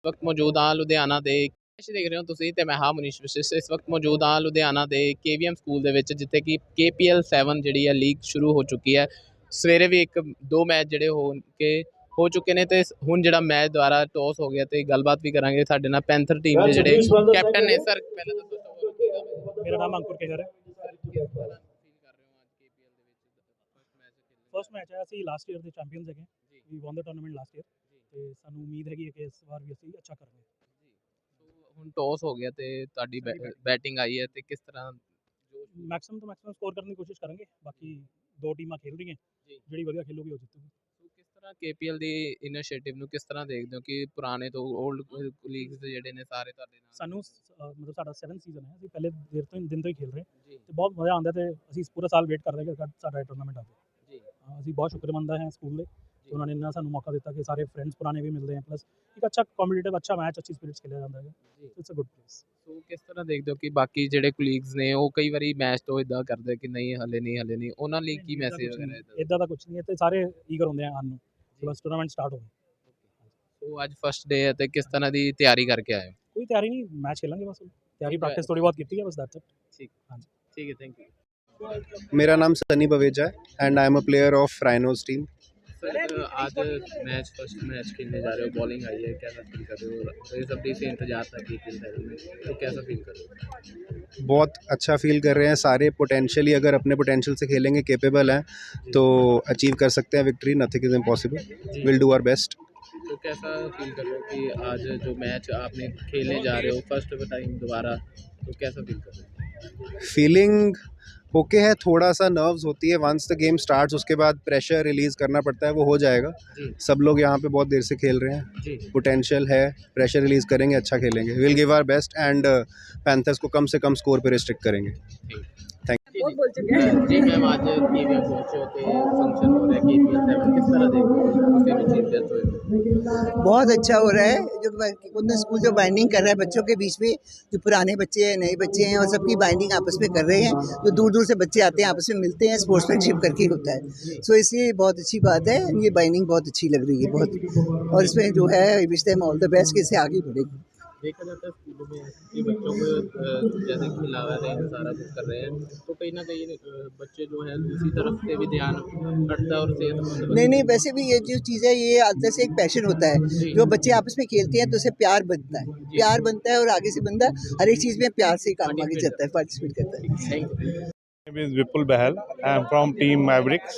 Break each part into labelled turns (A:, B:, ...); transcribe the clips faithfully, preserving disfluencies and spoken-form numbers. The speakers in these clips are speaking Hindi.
A: वक्त मौजूद हाँ लुधियाना ਦੇ ਦੇਖ ਰਹੇ ਹੋ ਤੁਸੀਂ ਤੇ ਮੈਂ ਹਾਂ ਮਨੀਸ਼ ਵਿਸ਼ਿਸ਼ ਇਸ ਵਕਤ ਮੌਜੂਦ ਹਾਂ ਲੁਧਿਆਣਾ ਦੇ ਕੇਵੀਐਮ ਸਕੂਲ ਦੇ ਵਿੱਚ ਜਿੱਥੇ ਕਿ ਕੇਪੀਐਲ ਸੈਵਨ ਜਿਹੜੀ ਹੈ ਲੀਗ ਸ਼ੁਰੂ ਹੋ ਚੁੱਕੀ ਹੈ। ਸਵੇਰੇ ਵੀ ਇੱਕ ਦੋ ਮੈਚ ਜਿਹੜੇ ਹੋ ਕੇ ਹੋ ਚੁੱਕੇ ਨੇ ਤੇ ਹੁਣ ਜਿਹੜਾ ਮੈਚ ਦੁਆਰਾ ਟੌਸ ਹੋ ਗਿਆ ਤੇ ਗੱਲਬਾਤ ਵੀ ਕਰਾਂਗੇ ਸਾਡੇ ਨਾਲ ਪੈਂਥਰ ਟੀਮ ਦੇ ਜਿਹੜੇ ਕੈਪਟਨ ਨੇ। ਸਰ ਪਹਿਲਾਂ ਤਾਂ
B: ਮੇਰਾ ਨਾਮ ਅੰਕੁਰ ਕੇਜਰ ਹੈ। ਫਸਟ ਮੈਚ ਹੈ, ਅਸੀਂ ਲਾਸਟ ਈਅਰ ਦੇ ਚੈਂਪੀਅਨਸ ਹੈਗੇ, ਵੀ ਵਨ ਦਾ ਟੂਰਨਾਮੈਂਟ ਲਾਸਟ ਈਅਰ ਤੇ ਸਾਨੂੰ ਉਮੀਦ ਹੈਗੀ ਹੈ ਕਿ ਇਸ ਵਾਰ ਵੀ ਅਸੀਂ ਅੱਛਾ ਕਰਾਂਗੇ।
A: ਹੁਣ ਟੌਸ ਹੋ ਗਿਆ ਤੇ ਤੁਹਾਡੀ ਬੈਟਿੰਗ ਆਈ ਹੈ ਤੇ ਕਿਸ ਤਰ੍ਹਾਂ
B: ਮੈਕਸਿਮਮ ਤੋਂ ਮੈਕਸਿਮਮ ਸਕੋਰ ਕਰਨ ਦੀ ਕੋਸ਼ਿਸ਼ ਕਰਾਂਗੇ। ਬਾਕੀ ਦੋ ਟੀਮਾਂ ਖੇਡ ਰਹੀਆਂ, ਜਿਹੜੀ ਵਧੀਆ ਖੇਲੂਗੀ ਉਹ ਜਿੱਤੂਗੀ।
A: ਕਿਸ ਤਰ੍ਹਾਂ ਕੇਪੀਐਲ ਦੀ ਇਨੀਸ਼ੀਏਟਿਵ ਨੂੰ ਕਿਸ ਤਰ੍ਹਾਂ ਦੇਖਦੇ ਹੋ ਕਿ ਪੁਰਾਣੇ ਤੋਂ 올ਡ ਲੀਗਸ ਦੇ ਜਿਹੜੇ ਨੇ ਸਾਰੇ ਤੁਹਾਡੇ ਨਾਲ?
B: ਸਾਨੂੰ ਮਤਲਬ ਸਾਡਾ ਸੈਵਨ ਸੀਜ਼ਨ ਹੈ, ਅਸੀਂ ਪਹਿਲੇ ਦੇਰ ਤੋਂ ਦਿਨ ਤੋਂ ਹੀ ਖੇਡ ਰਹੇ ਤੇ ਬਹੁਤ ਮਜ਼ਾ ਆਉਂਦਾ ਤੇ ਅਸੀਂ ਪੂਰਾ ਸਾਲ ਵੇਟ ਕਰ ਰਹੇ ਕਿ ਸਾਡਾ ਟੂਰਨਾਮੈਂਟ ਆਵੇ। ਅਸੀਂ ਬਹੁਤ ਸ਼ੁਕਰਮੰਦ ਹਾਂ ਸਕੂਲ ਦੇ, ਉਹਨਾਂ ਨੇ ਇੰਨਾ ਸਾਨੂੰ ਮੌਕਾ ਦਿੱਤਾ ਕਿ ਸਾਰੇ ਫਰੈਂਡਸ ਪੁਰਾਣੇ ਵੀ ਮਿਲਦੇ हैं, प्लस एक अच्छा कॉम्पिटिटिव अच्छा मैच अच्छी स्पिरिट खेलिया जाता है। It's a good place.
A: ਸੋ ਕਿਸ ਤਰ੍ਹਾਂ ਦੇਖਦੇ ਹੋ ਕਿ ਬਾਕੀ ਜਿਹੜੇ ਕੁਲੀਗਸ ਨੇ ਉਹ ਕਈ ਵਾਰੀ ਮੈਚ ਤੋਂ ਇਦਾਂ ਕਰਦੇ ਕਿ ਨਹੀਂ ਹਲੇ ਨਹੀਂ ਹਲੇ ਨਹੀਂ, ਉਹਨਾਂ ਲਈ ਕੀ ਮੈਸੇਜ ਵਗੈਰਾ ਇਦਾਂ?
B: ਇਦਾਂ ਦਾ ਕੁਝ ਨਹੀਂ ਹੈ ਤੇ ਸਾਰੇ ਈਗਰ ਹੁੰਦੇ ਆ ਆਉਣ ਨੂੰ, ਬਸ ਟੂਰਨਾਮੈਂਟ ਸਟਾਰਟ ਹੋਵੇ।
A: ਸੋ ਅੱਜ ਫਸਟ ਡੇ ਹੈ ਤੇ ਕਿਸ ਤਰ੍ਹਾਂ ਦੀ ਤਿਆਰੀ ਕਰਕੇ ਆਏ ਹੋ?
B: ਕੋਈ ਤਿਆਰੀ ਨਹੀਂ, ਮੈਚ खेलेंगे बस। ਤਿਆਰੀ ਪ੍ਰੈਕਟਿਸ ਥੋੜੀ ਬਹੁਤ ਕੀਤੀ ਹੈ ਬਸ, दैट्स इट।
A: ठीक हाँ जी ठीक है, थैंक यू।
C: मेरा नाम सनी बवेजा है and I am a player of Rhinos team.
A: Sir आज मैच फर्स्ट मैच खेलने जा रहे हो, बॉलिंग आई है, कैसा फील कर रहे हो? तो ये सब से इंतजार था कि तो कैसा फील कर रहे हो?
C: बहुत अच्छा फील कर रहे हैं सारे। पोटेंशियली अगर अपने पोटेंशियल से खेलेंगे, केपेबल हैं तो अचीव कर सकते हैं victory. Nothing is impossible, will do our best.
A: तो कैसा फील कर रहे हो कि आज जो मैच आपने खेलने जा रहे हो फर्स्ट टाइम दोबारा, तो कैसा फील कर रहे हो?
C: फीलिंग ओके है, थोड़ा सा नर्व्स होती है वंस द गेम स्टार्ट्स, उसके बाद प्रेशर रिलीज़ करना पड़ता है, वो हो जाएगा। सब लोग यहाँ पे बहुत देर से खेल रहे हैं, पोटेंशियल है, प्रेशर रिलीज़ करेंगे, अच्छा खेलेंगे, will give our best and Panthers को कम से कम स्कोर पे रिस्ट्रिक्ट करेंगे। थैंक
D: बहुत बोल चुके हैं
A: जी मैम। आज केवीएम पहुंचे होते फंक्शन हो रहा है केवीएम सेवन, किस तरह देखते हो?
D: बहुत अच्छा हो रहा है। जो कुंदन स्कूल जो बाइंडिंग कर रहा है बच्चों के बीच में, जो पुराने बच्चे हैं नए बच्चे हैं और सबकी बाइंडिंग आपस में कर रहे हैं। जो दूर दूर से बच्चे आते हैं आपस में मिलते हैं, स्पोर्ट्समैनशिप करके होता है। सो इसलिए बहुत अच्छी बात है, ये बाइंडिंग बहुत अच्छी लग रही है बहुत। और इसमें जो है wish them all the best कि इससे आगे बढ़ेगी।
A: देखा जाता है स्कूलों में कि बच्चों को जैसे खिलावा रहे हैं सारा कुछ कर रहे हैं, तो कहीं ना कहीं बच्चे जो है दूसरी तरफ से भी ध्यान हटता है और सेहतमंद।
D: नहीं नहीं, वैसे भी ये जो चीज़ है ये अंदर से एक पैशन होता है। जो बच्चे आपस में खेलते हैं तो उससे प्यार बनता है, प्यार बनता है और आगे से बंदा हर एक चीज़ में प्यार से काम आगे चलता है, पार्टिसिपेट करता है।
A: Thank you.
E: My name is Vipul Bahal. I am from Team Mavericks,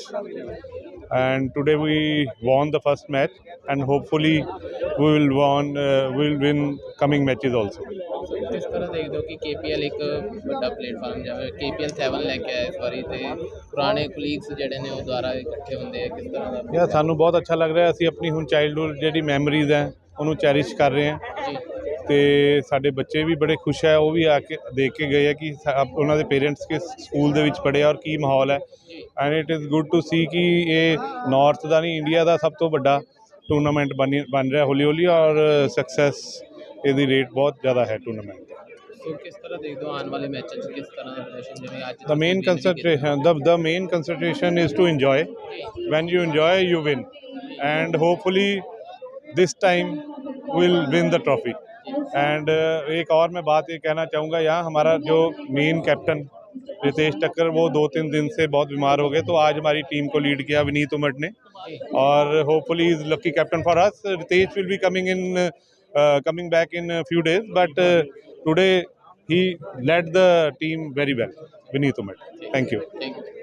E: and today we won the first match, and hopefully we will won uh, we will win coming matches also.
A: किस तरह देखते हो कि केपीएल एक बड़ा प्लेटफार्म जिਵੇਂ केपीएल सेवन ਲੈ ਕੇ ਆਇਆ ਇਸ ਵਾਰੀ ਤੇ ਪੁਰਾਣੇ ਕੁਲੀਗਸ ਜਿਹੜੇ ਨੇ ਉਹ ਦੁਆਰਾ ਇਕੱਠੇ ਹੁੰਦੇ ਆ, ਕਿਸ ਤਰ੍ਹਾਂ ਦਾ?
E: ਯਾਰ ਸਾਨੂੰ ਬਹੁਤ ਅੱਛਾ ਲੱਗ ਰਿਹਾ। ਅਸੀਂ ਆਪਣੀ ਹੁਣ ਚਾਈਲਡਹੁੱਡ ਜਿਹੜੀ ਮੈਮਰੀਜ਼ ਹੈ ਉਹਨੂੰ ਚੈਰਿਸ਼ ਕਰ ਰਹੇ ਹਾਂ ਤੇ ਸਾਡੇ ਬੱਚੇ ਵੀ ਬੜੇ ਖੁਸ਼ ਹੈ। ਉਹ ਵੀ ਆ ਕੇ ਦੇਖ ਕੇ ਗਏ ਆ ਕਿ ਉਹਨਾਂ ਦੇ ਪੇਰੈਂਟਸ ਕਿਸ ਸਕੂਲ ਦੇ ਵਿੱਚ ਪੜ੍ਹੇ ਔਰ ਕੀ ਮਾਹੌਲ ਹੈ। And it is good to see ਕਿ ਇਹ ਨਾਰਥ ਦਾ ਨਹੀਂ ਇੰਡੀਆ ਦਾ ਸਭ ਤੋਂ ਵੱਡਾ ਟੂਰਨਾਮੈਂਟ ਬਣ ਬਣ ਰਿਹਾ ਹੌਲੀ ਹੌਲੀ ਔਰ ਸਕਸੈਸ ਇਹਦੀ ਰੇਟ ਬਹੁਤ ਜ਼ਿਆਦਾ ਹੈ ਟੂਰਨਾਮੈਂਟ ਦਾ।
A: ਸੋ ਕਿਸ ਤਰ੍ਹਾਂ ਦੇਖਦੇ ਹੋ ਆਉਣ ਵਾਲੇ ਮੈਚਾਂ 'ਚ ਕਿਸ ਤਰ੍ਹਾਂ ਦਾ ਪ੍ਰਦਰਸ਼ਨ ਜਿਵੇਂ ਅੱਜ?
E: The main concentration, the the main concentration is to enjoy. When you enjoy, you win, and hopefully this time we'll win the trophy. And uh, एक और मैं बात ये कहना चाहूँगा, यहाँ हमारा जो मेन कैप्टन रितेश टक्कर वो दो तीन दिन से बहुत बीमार हो गए, तो आज हमारी टीम को लीड किया विनीत उमट ने और hopefully is lucky captain for us. Ritesh will be coming in coming back in few days, but today he led the team very well, Vineet Umat. Thank you.